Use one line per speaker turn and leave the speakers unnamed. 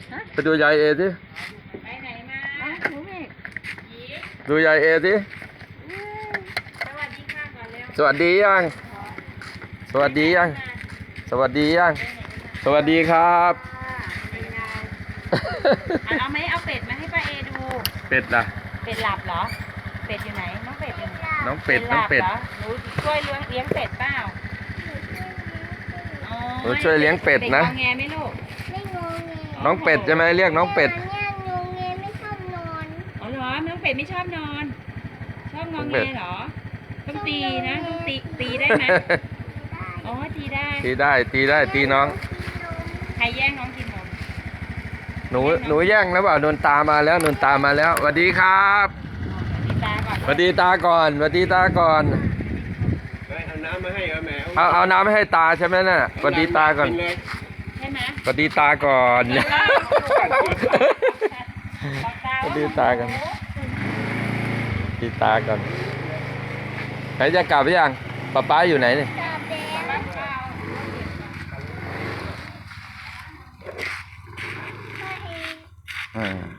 ไปดูยายเอสิ
ไปไหนมาหนูเมฆ
ดูยายเอสิ
สวัสดีค่ะก่อนเร็ว
สวัสดียังสวัสดียังสวัสดียังสวัสดีครับ
เอาไหมเอาเป็ดมาให้ป้าเอดู
เป็ดล่ะ
เป็ดหลับเหรอเป็ดอยู่ไหนน้องเป็ดอยู่
น้องเป็ดน้องเป็ด
หนูช่วยเลี้ยงเป็ดเปล่า
หนูช่วยเลี้ยงเป็ดนะ
งอแงไหมลูก
ไม่งงแง
น้องเป็ดใช่ไหมเรียกน้องเป็ด
เนี่ยงงแงไม่ชอบนอน
อ๋อเหรอน้องเป็ดไม่ชอบนอนชอบงอแงเหรอต้องตีนะต้องตีได้ไหมอ๋อตีได้
ตีน้อง
ใครแย่งน้องกินนม
หนูแย่งแล้วเปล่าโดนตามาแล้วโดนตามาแล้วสวัสดีครับสวัสดีตาก่อนสวัสดีตาก่อน
เอาน้ำมาให้แม่
เอาน้ำไม่ให้ตาใช่ไหมน่ะสวัสดีตาก่อน
ใช่ไหม
สวัสดีตาก่อนสวัสดีตากันสวัสดีตาก่อนไหนจะกลับหรือยังป้าอยู่ไหนเนี่ย
กลับแล้ว